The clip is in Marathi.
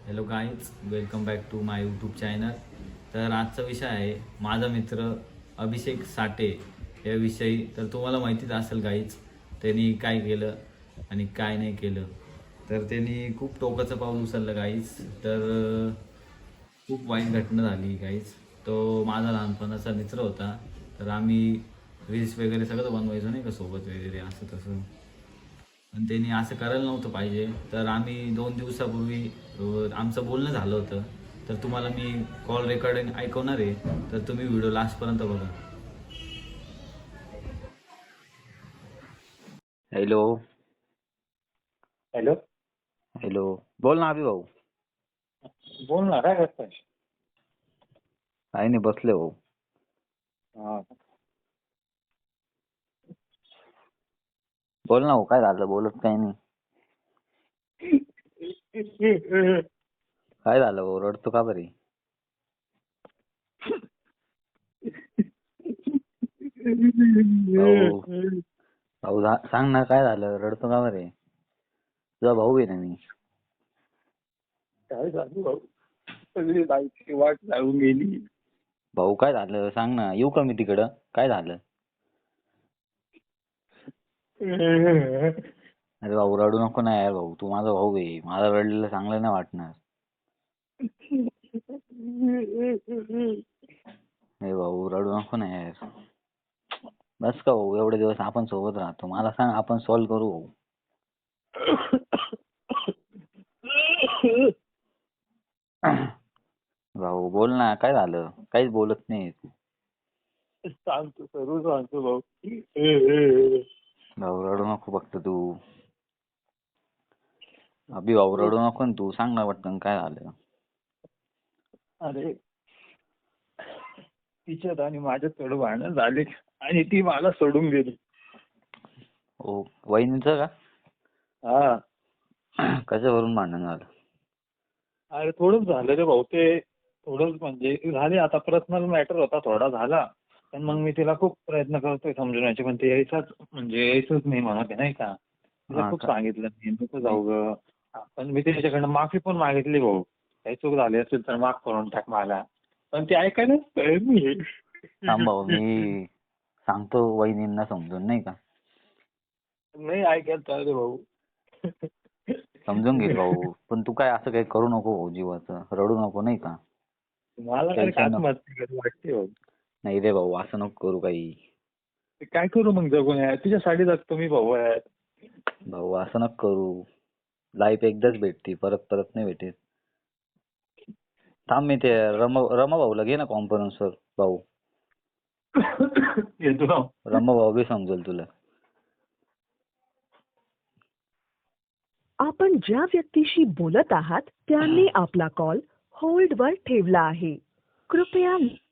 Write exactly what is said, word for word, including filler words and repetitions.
Hello guys, welcome back to my YouTube channel. तर आजचा विषय आहे माझा मित्र अभिषेक साठे याविषयी. तर तुम्हाला माहितीच असेल गाईज, त्यांनी काय केलं आणि काय नाही केलं. तर त्यांनी खूप टोकाचं पाऊल उचललं गाईज. तर अं, खूप वाईट घटना झाली गाईज. तो माझा लहानपणाचा मित्र होता. तर आम्ही रील्स वगैरे सगळं बनवायचो नाही का सोबत वगैरे असं तसं. पण त्यांनी असं करायला नव्हतं पाहिजे. तर आम्ही दोन दिवसापूर्वी अ, आमचं बोलणं झालं होतं. तर तुम्हाला मी कॉल रेकॉर्डिंग ऐकवणार आहे. तर तुम्ही व्हिडिओ लास्टपर्यंत बघा. हॅलो. हॅलो. हॅलो. बोल ना अभि भाऊ. बोल ना, काय करताय? काही नाही, बसले भाऊ. हा. बोल ना भाऊ, काय झालं? बोलत काही नाही. काय झालं भाऊ? रडतो का बरे? भाऊ भाऊ जा- सांग ना, काय झालं? रडतो का बरे? तुझा भाऊ आहे ना मी. काय झालं भाऊ? सगळी लाईफची वाट लागून गेली. भाऊ काय झालं? सांग ना, येऊ का मी तिकडं? काय झालं? अरे भाऊ, रडू नको ना यार भाऊ. तू माझा भाऊ आहे. मला रडलेलं चांगलं नाही वाटणार. अरे भाऊ, रडू नको ना यार. बस का भाऊ, एवढे दिवस आपण सोबत राहतो. मला सांग, आपण सॉल्व्ह करू भाऊ. भाऊ बोल ना, काय झालं? काहीच बोलत नाही तू. सांगतो, सर्व सांगतो भाऊ. भाऊ रडू नको फक्त तू. अभि भाऊ रडू नको ना तू. सांग ना पटकन, काय झालं? अरे, तिच्यात आणि माझ्यात थोडं भांडण झाले आणि ती मला सोडून गेली. ओ, वहिनीचं का? हा. कशावरून भांडण झालं? अरे थोडंच झालं रे भाऊ. ते थोडंच म्हणजे झाले, आता पर्सनल मॅटर होता, थोडा झाला. पण मग मी तिला खूप प्रयत्न करतोय समजवण्याचे, पण ते यायचाच म्हणजे यायचंच नाही म्हणत आहे नाही का. तिला हा खूप का? सांगितलं मी नको जाऊ ग. पण मी त्याच्याकडनं माफी पण मागितली भाऊ. काही चूक झाली असेल तर माफ करून टाक मला. पण ते ऐकायलाच तयार नाही. थांब भाऊ, मी सांगतो वहिनींना समजून, नाही का. नाही ऐकायला तयार आहे भाऊ. समजून घेईल भाऊ. पण तू काय असं काही करू नको भाऊ, जीवाचं रडू नको, नाही का. मला काय टेन्शन नको. आत्महत्या करू वाटते भाऊ. नाही रे भाऊ, असं नको करू काही. ते काय करू मग जगून यार, तुझ्यासाठी जगतो मी भाऊ यार. भाऊ असं नको करू. लाईफ एकदाच भेटती, परत परत नाही भेटेल. थांब, मी ते रमा रमा भाऊला घे ना कॉन्फरन्सवर भाऊ. येतो ना. रमा भाऊ बी समजेल तुला. आपण ज्या व्यक्तीशी बोलत आहात त्यांनी आपला कॉल होल्डवर ठेवला आहे. कृपया